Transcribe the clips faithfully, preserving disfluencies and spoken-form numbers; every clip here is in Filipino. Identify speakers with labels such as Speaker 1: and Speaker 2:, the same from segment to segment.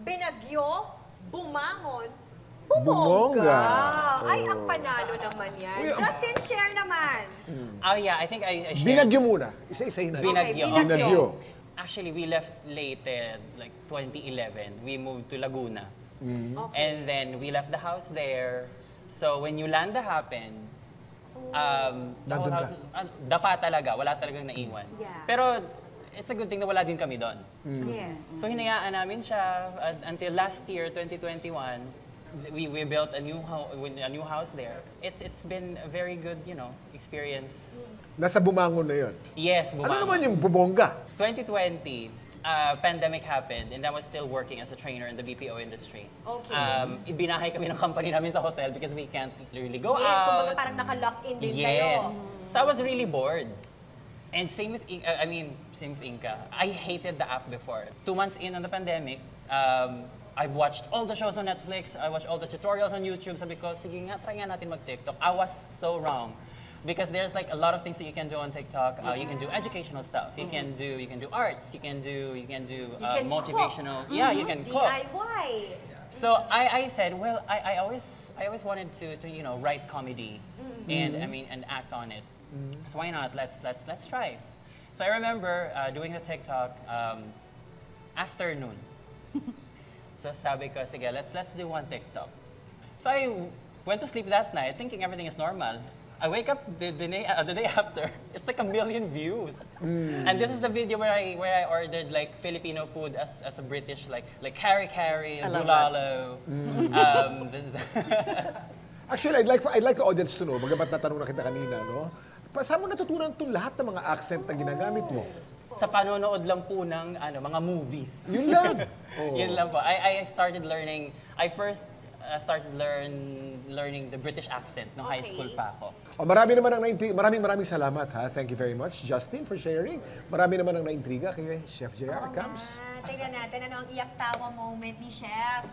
Speaker 1: binagyo, bumangon,
Speaker 2: Bumongga.
Speaker 1: bumongga. Ay, ang panalo naman yan.
Speaker 2: Uy, ang-
Speaker 1: Justin, share naman.
Speaker 3: Oh yeah, I think I, I shared.
Speaker 2: Binagyo muna. Isa-isahin natin.
Speaker 3: Binagyo.
Speaker 1: Okay,
Speaker 2: Binagyo.
Speaker 3: Actually, we left late, eh, like twenty eleven. We moved to Laguna.
Speaker 1: Okay.
Speaker 3: And then we left the house there. So when Yolanda happened, um, the whole
Speaker 2: Nandun
Speaker 3: house, ah, dapa talaga, wala talagang naiwan.
Speaker 1: Yeah.
Speaker 3: Pero it's a good thing na wala din kami doon.
Speaker 1: Yes.
Speaker 3: So hinayaan namin siya uh, until last year, twenty twenty-one. We, we built a new house, a new house there. It's it's been a very good, you know, experience.
Speaker 2: Nasa bumangon na yun.
Speaker 3: Yes,
Speaker 2: Ano
Speaker 3: bumangon.
Speaker 2: naman yung bumongga?
Speaker 3: twenty twenty, uh, pandemic happened and I was still working as a trainer in the B P O industry.
Speaker 1: Okay.
Speaker 3: Um, ibinahay kami ng company namin sa hotel because we can't really go
Speaker 1: Yes,
Speaker 3: out.
Speaker 1: kumbaga parang naka-lock in din
Speaker 3: Yes.
Speaker 1: kayo.
Speaker 3: So I was really bored. And same with, In- uh, I mean, same with Inka. I hated the app before. Two months in on the pandemic, um, I've watched all the shows on Netflix. I watched all the tutorials on YouTube. Sabi ko, sige nga, try nga natin mag-TikTok. I was so wrong. Because there's like a lot of things that you can do on TikTok. Uh, you can do educational stuff. You can do you can do arts. You can do you can do
Speaker 1: You
Speaker 3: uh,
Speaker 1: can
Speaker 3: motivational.
Speaker 1: cook.
Speaker 3: Yeah, you can cook.
Speaker 1: D I Y.
Speaker 3: So I, I said, well, I, I always I always wanted to, to you know write comedy, and I mean and act on it. So why not? Let's let's let's try. So I remember uh, doing the TikTok um, afternoon. So sabi ko, sige, let's let's do one TikTok. So I went to sleep that night thinking everything is normal. I wake up the, the, day, uh, the day after, it's like a million views. And this is the video where I where I ordered like Filipino food as, as a British, like like kari kari,
Speaker 1: I love
Speaker 3: bulalo. Um, the- the-
Speaker 2: Actually, I'd like for, I'd like the audience to know, bagamat natanong na kita kanina, no? Pa- Saan mo natutunan itong lahat ng mga accent na ginagamit mo?
Speaker 3: sa panonood lang po ng ano, mga movies.
Speaker 2: Yun lang. Oo.
Speaker 3: Yun lang po. I, I started learning, I first uh, started learn learning the British accent nung high
Speaker 1: Okay.
Speaker 3: school pa ako.
Speaker 2: O, marami naman ang naintriga. Maraming maraming salamat, ha? Thank you very much, Justin, for sharing. Marami naman ang naintriga kay Chef J R.
Speaker 1: Oo
Speaker 2: Camps.
Speaker 1: nga. Tingnan natin ano ang iyak-tawa moment ni Chef.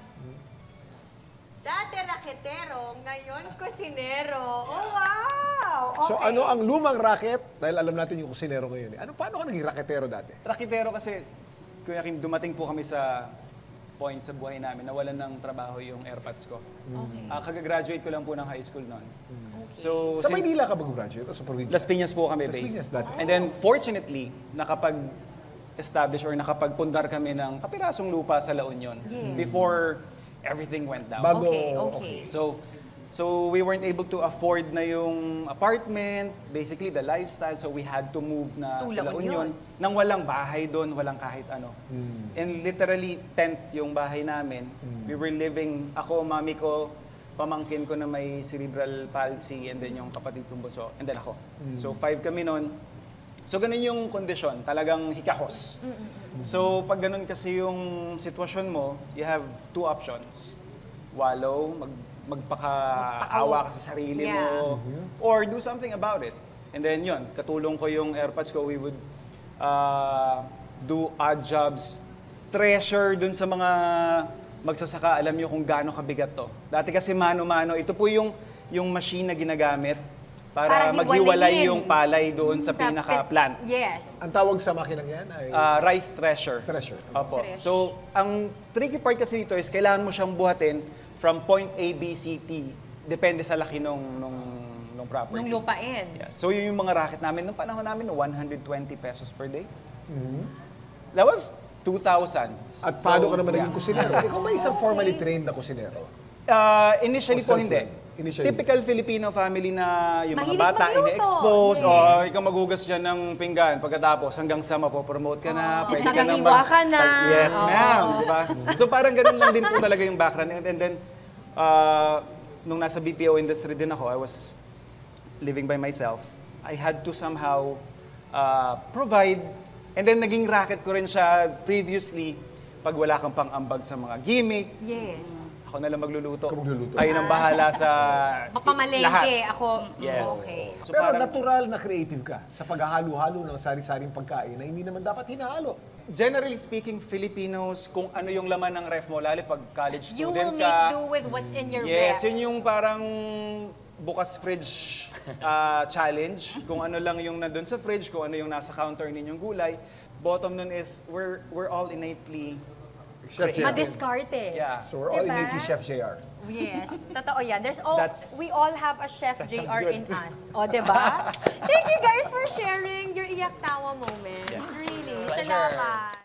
Speaker 1: Dati raketero, ngayon kusinero. Oh, wow! Okay.
Speaker 2: So ano ang lumang racket? Dahil alam natin yung kusinero ngayon. Eh. Ano, paano ka naging raketero dati?
Speaker 4: Rakitero kasi, Kuya Kim, dumating po kami sa point sa buhay namin na walan ng trabaho yung airpods ko.
Speaker 1: Okay.
Speaker 4: Ah, kagagraduate ko lang po ng high school noon.
Speaker 1: Okay.
Speaker 4: So,
Speaker 2: Sa
Speaker 4: since
Speaker 2: Maynila ka mag-graduate o sa probinsya?
Speaker 4: Las Piñas po kami
Speaker 2: Las
Speaker 4: based.
Speaker 2: Piñas dati.
Speaker 4: And then, fortunately, nakapag-establish or nakapagpundar kami ng kapirasong lupa sa La Union
Speaker 1: Yes.
Speaker 4: before everything went down.
Speaker 2: Bago,
Speaker 1: Okay, okay.
Speaker 4: So, so we weren't able to afford na yung apartment, basically the lifestyle, so we had to move na
Speaker 1: To
Speaker 4: to
Speaker 1: La
Speaker 4: La
Speaker 1: Union.
Speaker 4: Union nang walang bahay doon, walang kahit ano. And literally tent yung bahay namin. We were living, ako, mami ko, pamangkin ko na may cerebral palsy, and then yung kapatid kong bunso, and then ako. So five kami noon. So ganun yung kondisyon, talagang hikahos. So pag ganun kasi yung sitwasyon mo, you have two options. Wallow, mag magpakaawa ka sa sarili
Speaker 1: Yeah.
Speaker 4: mo, or do something about it. And then yun, katulong ko yung airpods ko, we would uh, do odd jobs, treasure dun sa mga magsasaka, alam nyo kung gaano kabigat to. Dati kasi mano-mano, ito po yung, yung machine na ginagamit para,
Speaker 1: Para
Speaker 4: maghiwalay
Speaker 1: hiwalayin
Speaker 4: yung palay doon sa,
Speaker 1: Sa
Speaker 4: pinaka-plant.
Speaker 1: pin- Yes.
Speaker 2: Ang tawag sa makinang yan ay
Speaker 4: Ah, rice thresher.
Speaker 2: thresher.
Speaker 4: Opo.
Speaker 1: Thresh.
Speaker 4: So, ang tricky part kasi dito is kailangan mo siyang buhatin from point A, B, C, T. Depende sa laki nung, nung, nung property.
Speaker 1: Nung lupain.
Speaker 4: Yeah. So, yun yung mga racket namin. Nung panahon namin, one hundred twenty pesos per day.
Speaker 2: Mm-hmm.
Speaker 4: That was two thousands.
Speaker 2: At paano
Speaker 4: So,
Speaker 2: ka naman naging
Speaker 4: yeah.
Speaker 2: kusinero? Ikaw ba isang formally trained na kusinero?
Speaker 4: Uh, initially
Speaker 2: O
Speaker 4: po
Speaker 2: self-learn?
Speaker 4: hindi.
Speaker 2: Initially.
Speaker 4: Typical Filipino family na yung
Speaker 1: Mahilig
Speaker 4: mga bata
Speaker 1: magluto.
Speaker 4: ini-expose,
Speaker 1: Yes.
Speaker 4: o ikaw magugas dyan ng pinggan, pagkatapos hanggang sa mapopromote ka na,
Speaker 1: Oh,
Speaker 4: pwede ka na
Speaker 1: tagahiwa ka na.
Speaker 4: Yes,
Speaker 1: Oo.
Speaker 4: ma'am, di ba? So parang ganun lang din po talaga yung background. And, and then, uh, nung nasa B P O industry din ako, I was living by myself. I had to somehow uh, provide, and then naging racket ko rin siya previously pag wala kang pang-ambag sa mga gimmick.
Speaker 1: Yes.
Speaker 4: Ako na lang magluluto.
Speaker 2: Ikaw magluluto.
Speaker 4: Tayo nang bahala sa
Speaker 1: Papamalengke
Speaker 4: lahat.
Speaker 1: ako.
Speaker 4: Yes.
Speaker 1: Okay.
Speaker 4: So
Speaker 2: Pero
Speaker 4: parang,
Speaker 2: natural na creative ka sa paghahalo-halo ng sari-saring pagkain na hindi naman dapat hinahalo.
Speaker 4: generally speaking, Filipinos, kung ano yung laman ng ref mo, lalo pag college
Speaker 1: You will
Speaker 4: student
Speaker 1: make
Speaker 4: ka.
Speaker 1: do with what's in your
Speaker 4: Yes,
Speaker 1: ref.
Speaker 4: yun yung parang bukas fridge ah, challenge. Kung ano lang yung nandun sa fridge, kung ano yung nasa counter ninyong gulay. Bottom nun is, we're, we're all innately
Speaker 2: Chef
Speaker 4: creative.
Speaker 2: J R.
Speaker 1: Madiskarte.
Speaker 4: Yeah.
Speaker 2: So we're all
Speaker 1: Diba?
Speaker 2: innately Chef J R.
Speaker 1: Yes, totoo yan. There's all,
Speaker 4: That's-
Speaker 1: we all have a Chef
Speaker 4: that
Speaker 1: J
Speaker 4: sounds
Speaker 1: R
Speaker 4: good.
Speaker 1: in us. O, diba? Thank you guys for sharing your iyak tawa moments.
Speaker 4: Yes.
Speaker 1: Really.
Speaker 3: Pleasure.
Speaker 1: Salamat.